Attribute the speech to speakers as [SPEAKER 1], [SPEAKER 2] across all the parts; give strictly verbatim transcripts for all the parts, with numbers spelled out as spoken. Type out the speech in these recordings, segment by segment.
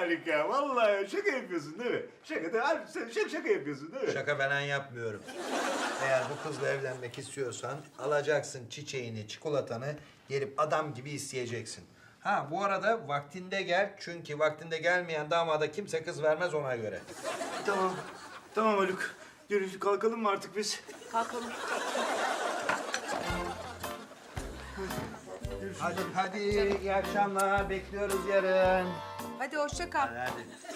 [SPEAKER 1] Haluk ya. Vallahi şaka yapıyorsun değil mi? Şaka da harbi sen şaka, şaka yapıyorsun değil mi?
[SPEAKER 2] Şaka falan yapmıyorum. Eğer bu kızla evlenmek istiyorsan alacaksın çiçeğini, çikolatanı, gelip adam gibi isteyeceksin. Ha bu arada vaktinde gel çünkü vaktinde gelmeyen damada kimse kız vermez ona göre.
[SPEAKER 1] Tamam. Tamam Haluk. Görüşürüz. Kalkalım mı artık biz?
[SPEAKER 3] Kalkalım.
[SPEAKER 2] Hadi hadi iyi akşamlar bekliyoruz yarın.
[SPEAKER 3] Hadi hoşça kal.
[SPEAKER 2] Hadi.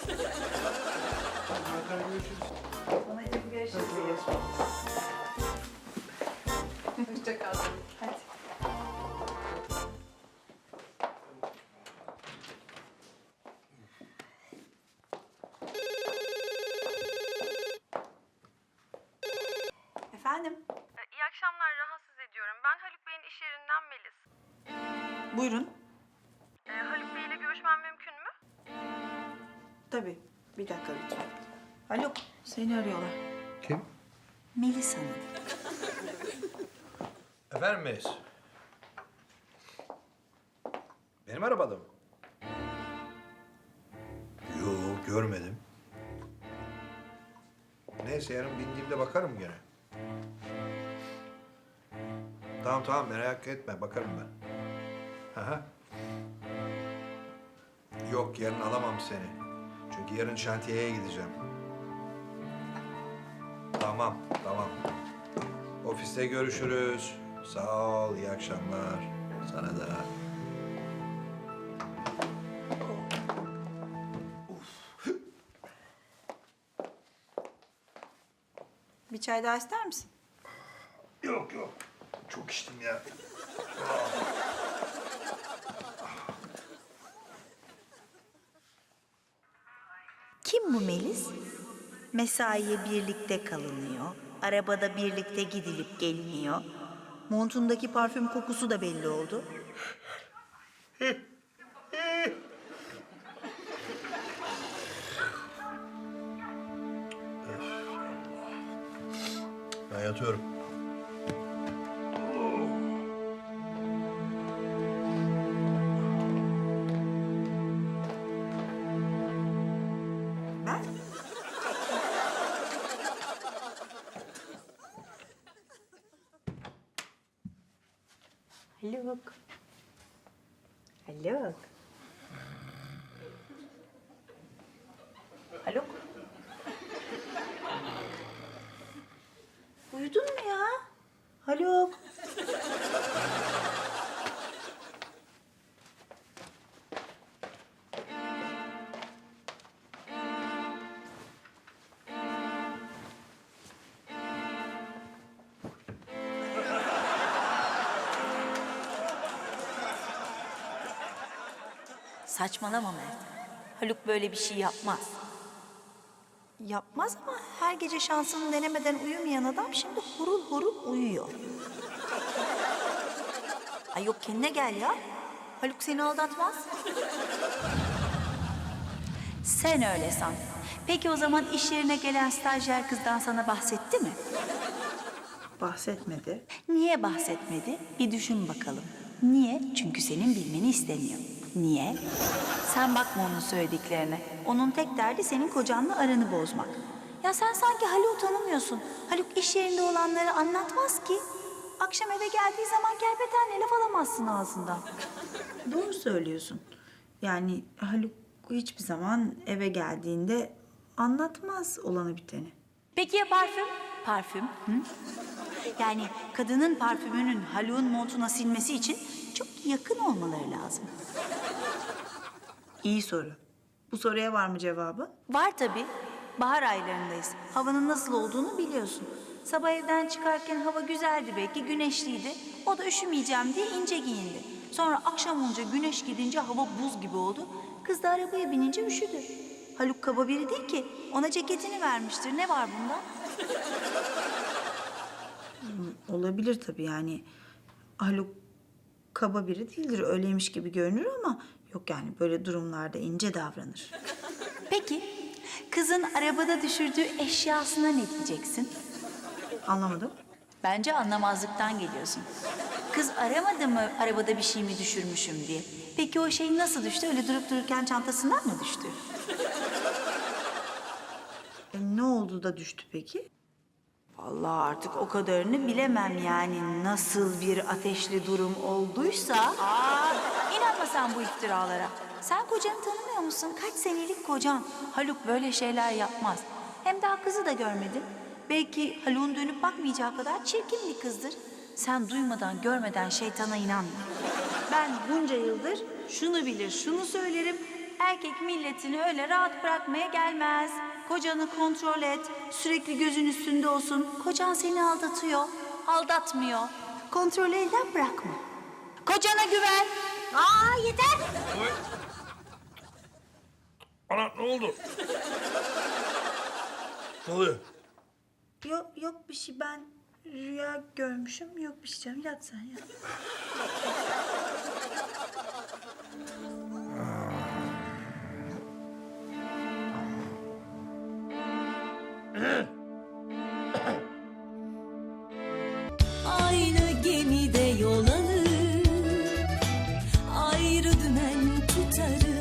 [SPEAKER 1] Hadi görüşürüz.
[SPEAKER 3] Görüşürüz. Hoşça kal. Hadi. Efendim?
[SPEAKER 4] İyi akşamlar, rahatsız ediyorum. Ben Haluk Bey'in iş yerinden Melis.
[SPEAKER 3] Buyurun.
[SPEAKER 4] Ee, Haluk Bey ile görüşmem mümkün mü?
[SPEAKER 3] Tabii. Bir dakika lütfen. Haluk, seni arıyorlar.
[SPEAKER 2] Kim?
[SPEAKER 3] Melis Hanım.
[SPEAKER 2] Efendim Melis? Benim arabada mı? Yok görmedim. Neyse yarın bindiğimde bakarım gene. Tamam tamam merak etme bakarım ben. Aha. Yok yarın alamam seni. Çünkü yarın şantiyeye gideceğim. Tamam tamam. Ofiste görüşürüz. Sağ ol iyi akşamlar. Sana da.
[SPEAKER 3] Bir çay daha ister misin?
[SPEAKER 2] Yok yok. Çok içtim ya.
[SPEAKER 5] Kim bu Melis? Mesaiye birlikte kalınıyor. Arabada birlikte gidilip geliniyor. Montundaki parfüm kokusu da belli oldu.
[SPEAKER 2] Ben yatıyorum.
[SPEAKER 3] Ben?
[SPEAKER 5] Haluk. Haluk. Haluk. Uyudun mu ya? Haluk. Saçmalama Mert. Haluk böyle bir şey yapmaz. Yapmaz ama her gece şansını denemeden uyumayan adam şimdi hurul hurul uyuyor. Ay yok kendine gel ya. Haluk seni aldatmaz. Sen öyle san. Peki o zaman iş yerine gelen stajyer kızdan sana bahsetti mi?
[SPEAKER 3] Bahsetmedi.
[SPEAKER 5] Niye bahsetmedi? Bir düşün bakalım. Niye? Çünkü senin bilmeni istemiyor. Niye? Sen bakma onun söylediklerine. Onun tek derdi senin kocanla aranı bozmak. Ya sen sanki Haluk'u tanımıyorsun. Haluk iş yerinde olanları anlatmaz ki. Akşam eve geldiği zaman kerpetenle laf alamazsın ağzından.
[SPEAKER 3] Doğru söylüyorsun. Yani Haluk hiçbir zaman eve geldiğinde anlatmaz olanı biteni.
[SPEAKER 5] Peki ya parfüm? Parfüm, hı? Yani kadının parfümünün Haluk'un montuna silmesi için çok yakın olmaları lazım.
[SPEAKER 3] İyi soru. Bu soruya var mı cevabı?
[SPEAKER 5] Var tabii. Bahar aylarındayız. Havanın nasıl olduğunu biliyorsun. Sabah evden çıkarken hava güzeldi belki, güneşliydi. O da üşümeyeceğim diye ince giyindi. Sonra akşam olunca güneş gidince hava buz gibi oldu. Kız da arabaya binince üşüdü. Haluk kaba biri değil ki. Ona ceketini vermiştir. Ne var bunda?
[SPEAKER 3] Olabilir tabii yani. Haluk kaba biri değildir. Öyleymiş gibi görünür ama yok yani böyle durumlarda ince davranır.
[SPEAKER 5] Peki, kızın arabada düşürdüğü eşyasına ne diyeceksin?
[SPEAKER 3] Anlamadım.
[SPEAKER 5] Bence anlamazlıktan geliyorsun. Kız aramadı mı arabada bir şey mi düşürmüşüm diye? Peki o şey nasıl düştü? Öyle durup dururken çantasından mı düştü?
[SPEAKER 3] E, ne oldu da düştü peki?
[SPEAKER 5] Vallahi artık o kadarını bilemem yani. Nasıl bir ateşli durum olduysa... Aa, inanma sen bu iftiralara. Sen kocanı tanımıyor musun? Kaç senelik kocan. Haluk böyle şeyler yapmaz. Hem daha kızı da görmedin. Belki Haluk'un dönüp bakmayacağı kadar çirkin bir kızdır. Sen duymadan, görmeden şeytana inanma. Ben bunca yıldır şunu bilir, şunu söylerim. Erkek milletini öyle rahat bırakmaya gelmez. Kocanı kontrol et, sürekli gözün üstünde olsun. Kocan seni aldatıyor, aldatmıyor. Kontrolü elden bırakma. Kocana güven. Aa yeter.
[SPEAKER 6] Ana ne oldu? Ne oluyor?
[SPEAKER 3] Yok yok bir şey, ben rüya görmüşüm. Yok bir şey canım, yat sen yat.
[SPEAKER 7] Aynı gemide yol alır, ayrı dümen tutarız.